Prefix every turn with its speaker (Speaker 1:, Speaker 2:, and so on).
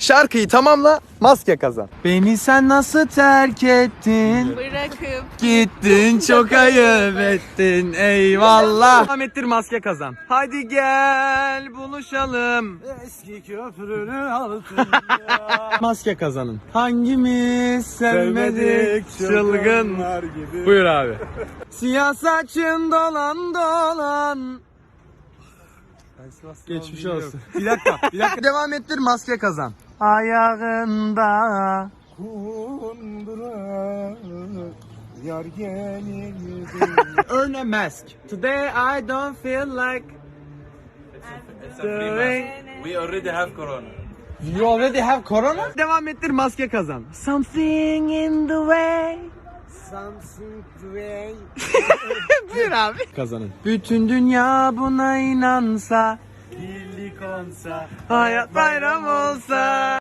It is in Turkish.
Speaker 1: Şarkıyı tamamla, maske kazan. Beni sen nasıl terk ettin?
Speaker 2: Bırakıp
Speaker 1: Gittin, çok ayıp ettin, eyvallah. Devam ettir, maske kazan. Hadi gel buluşalım.
Speaker 3: Eski köprünün altında.
Speaker 1: Maske kazanın. Hangimiz sevmedik çılgın.
Speaker 3: gibi.
Speaker 1: Buyur abi. Siyah saçın dolan dolan. Geçmiş olsun. Bir dakika. Devam ettir, maske kazan. Ayağında.
Speaker 3: Kundura yar gelince.
Speaker 1: Earn a mask. Today I don't feel like doing.
Speaker 4: We already have corona.
Speaker 1: You already have corona? Devam ettir, maske kazan. Something in the way.
Speaker 3: Something way.
Speaker 1: Buyur abi. Kazanın. Bütün dünya buna inansa,
Speaker 3: Birlik olsa.
Speaker 1: hayat bayram olsa.